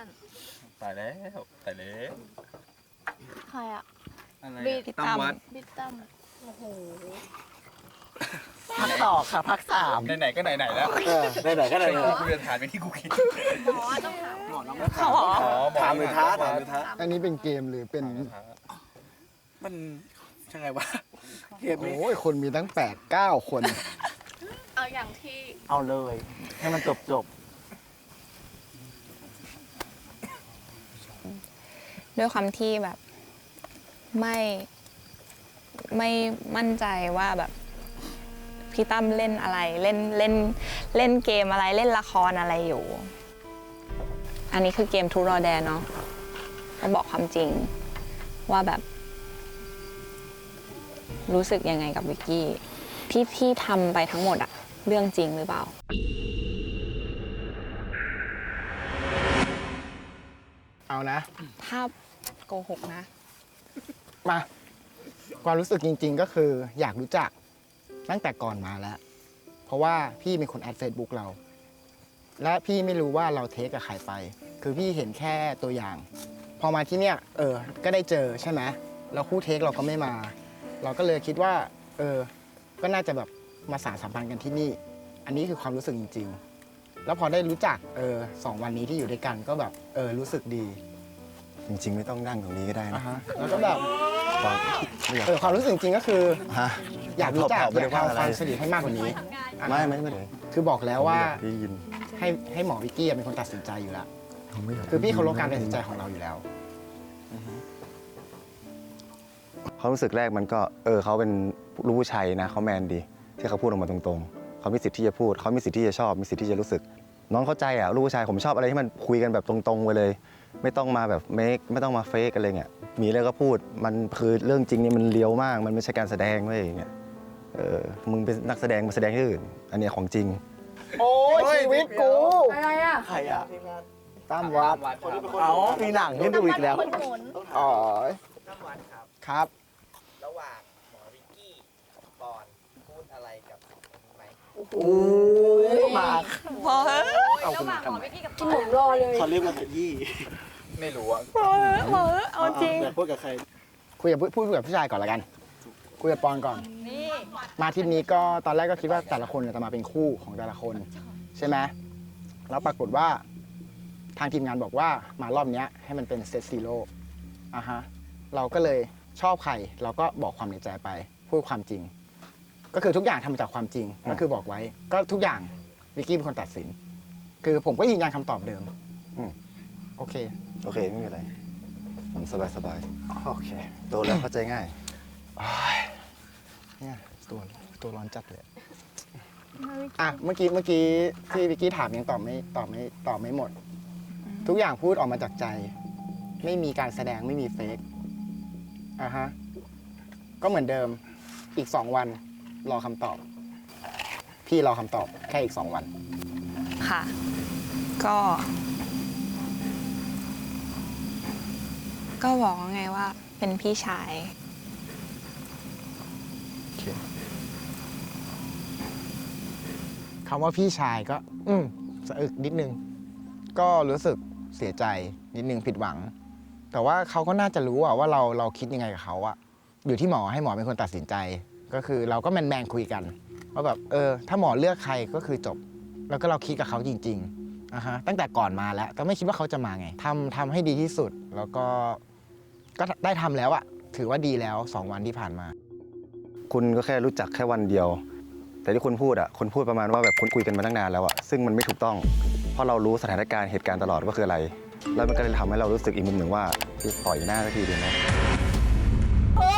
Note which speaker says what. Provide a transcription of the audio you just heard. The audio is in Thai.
Speaker 1: ตายแล้ว
Speaker 2: ใครอะ
Speaker 1: อะไร
Speaker 3: ตั้มวัด
Speaker 2: บิ๊กตั้มโอ้โห
Speaker 4: ภาคต่อค่ะภาคสาม
Speaker 1: ไหนๆก็ไหนๆแล้ว
Speaker 4: ไหนๆก็ไหน
Speaker 1: กูจะถามไปที่กูคิด
Speaker 2: หมอต้องถาม
Speaker 4: หมอน้อง
Speaker 3: เขาเหรอ
Speaker 4: ถามหรือท้าถามหรือท้า
Speaker 5: อันนี้เป็นเกมหรือเป็น
Speaker 4: มันยังไงวะเกมนี้
Speaker 5: โอ้ยคนมีตั้ง8-9 คน
Speaker 2: เอาอย่างที่
Speaker 4: เอาเลยให้มันจบ
Speaker 3: ด้วยความที่แบบไม่มั่นใจว่าแบบพี่ตั้มเล่นอะไรเล่นเกมอะไรเล่นละครอะไรอยู่ อันนี้คือเกมทูรอแดนเนาะก็บอกความจริงว่าแบบ รู้สึกยังไงกับวิกกี้ที่ทำไปทั้งหมดอะเรื่องจริงหรือเปล่า
Speaker 5: เอานะ
Speaker 3: ถ้าโกหกนะ
Speaker 5: มาความรู้สึกจริงๆก็คืออยากรู้จักตั้งแต่ก่อนมาแล้ว เพราะว่าพี่เป็นคนแอด Facebook เรา และพี่ไม่รู้ว่าเราเทคกับใครไป คือพี่เห็นแค่ตัวอย่าง พอมาที่เนี่ยก็ได้เจอใช่ไหมแล้วคู่เทคเราก็ไม่มา เราก็เลยคิดว่าก็น่าจะแบบมาสานสัมพันธ์กันที่นี่ อันนี้คือความรู้สึกจริงๆ แล้วพอได้รู้จัก2 วันนี้ที่อยู่ด้วยกันก็แบบรู้สึกดี
Speaker 6: จริงๆ ไม่ต้องนั่งตรงนี้ก็ได้นะ
Speaker 5: แล้วก็แบบ
Speaker 6: ความไม่อยาก
Speaker 5: ความรู้สึกจริงๆก็คือ
Speaker 6: ฮะ
Speaker 5: อยากรู้จัก
Speaker 6: ไม่
Speaker 5: อยา
Speaker 6: ได้
Speaker 5: ก
Speaker 6: ว่า
Speaker 5: ทำ
Speaker 6: อะไร
Speaker 5: ความสนิทให้มากกว่านี้
Speaker 6: ไม่ได้
Speaker 5: คือบอกแล้วว่า
Speaker 6: ได้ยิน
Speaker 5: ให้หมอวิกกี้เป็นคนตัดสินใจอยู่แล้ว
Speaker 6: ผมไม่อยาก
Speaker 5: คือพี่เคารพการตัดสินใจของเราอยู่แล้ว
Speaker 6: ความรู้สึกแรกมันก็เขาเป็นลูกผู้ชายนะเขาแมนดี ที่เขาพูดออกมาตรงๆเขามีสิทธิ์ที่จะพูดเขามีสิทธิ์ที่จะชอบมีสิทธิ์ที่จะรู้สึก น้องเข้าใจอ่ะลูกผู้ชายผมชอบอะไรที่มันคุยกันแบบตรงๆไปเลย ไม่ต้องมาแบบไม่ต้องมาเฟกอะไรเงี้ยมีอะไรก็พูดมันคือเรื่องจริงนี่มันเลี้ยวมากมันไม่ใช่การแสดงเว้ยอย่างเงี้ยมึงเป็นนักแสดงมาแสดงที่อื่นอันนี้ของจริง
Speaker 5: โอ้ยชีวิตกู
Speaker 2: อะไรอะ
Speaker 4: ๆใครอ่ะ
Speaker 5: ตามวัด
Speaker 4: เอามีหนังให้ดูอีกแล้ว
Speaker 2: คนหมุน
Speaker 5: อ๋อ
Speaker 7: ตั้มวันครับ
Speaker 5: ครับ
Speaker 7: ระหว่างหมอวิกกี้กับปอนพูดอะไรกับอันนี้ไหม
Speaker 4: โอ้มา
Speaker 3: พอเฮ้ย
Speaker 4: เอาคุณมาทำไม
Speaker 2: กินหมูรอเลย
Speaker 4: เขาเรียกว่าขยี้
Speaker 1: ไม่รู้อ่ะ
Speaker 3: พอเฮ้ยเอาจริง
Speaker 4: แต่พูดกับใคร
Speaker 5: คุยกับพูดกับผู้ชายก่อนละกัน คุยกับปอนก่อน มาทริปนี้ก็ตอนแรกก็คิดว่าแต่ละคนจะมาเป็นคู่ของแต่ละคน ใช่ไหมแล้วปรากฏว่าทางทีมงานบอกว่ามารอบเนี้ยให้มันเป็นเซตซีโร่เราก็เลยชอบใครเราก็บอกความในใจไป พูดความจริง ก็คือทุกอย่างทำมาจากความจริง ก็คือบอกไว้ ก็ทุกอย่างวิกกี้เป็นคนตัดสิน คือผมก็ยืนยันคำตอบเดิม
Speaker 6: อืม
Speaker 5: โอเค
Speaker 6: โอเคไม่มีอะไรผมสบาย
Speaker 5: โอเค
Speaker 6: ๆโตแล้วเข้าใจง่าย
Speaker 5: เนี่ยตัวร้อนจัดเลยอ่ะเมื่อกี้ที่วิกกี้ถามยังตอบไม่หมด ทุกอย่างพูดออกมาจากใจ ไม่มีการแสดงไม่มีเฟกก็เหมือนเดิมอีก2 วันรอคำตอบ พี่รอคำตอบแค่อีก2 วัน
Speaker 3: ค่ะ ก็ บอกไงว่าเป็นพี่ชาย
Speaker 5: คำว่าพี่ชายก็สะอึกนิดนึง ก็รู้สึกเสียใจนิดนึงผิดหวัง แต่ว่าเขาก็น่าจะรู้ว่าเราคิดยังไงกับเขาอะอยู่ที่หมอให้หมอเป็นคนตัดสินใจ ก็คือเราก็แมนคุยกันว่าแบบถ้าหมอเลือกใครก็คือจบ แล้วก็เราคิดกับเขาจริงๆตั้งแต่ก่อนมาแล้วก็ไม่คิดว่าเขาจะมาไงทำให้ดีที่สุด แล้วก็ได้ทำแล้วอะถือว่าดีแล้ว2 วันที่ผ่านมา
Speaker 6: คุณก็แค่รู้จักแค่วันเดียว แต่ที่คุณพูดคุณพูดประมาณว่าแบบคุณคุยกันมาตั้งนานแล้วซึ่งมันไม่ถูกต้อง เพราะเรารู้สถานการณ์เหตุการณ์ตลอดว่าคืออะไร แล้วมันก็เลยทำให้เรารู้สึกอีกมุมหนึ่งว่าที่ปล่อยหน้าสักทีดีไหม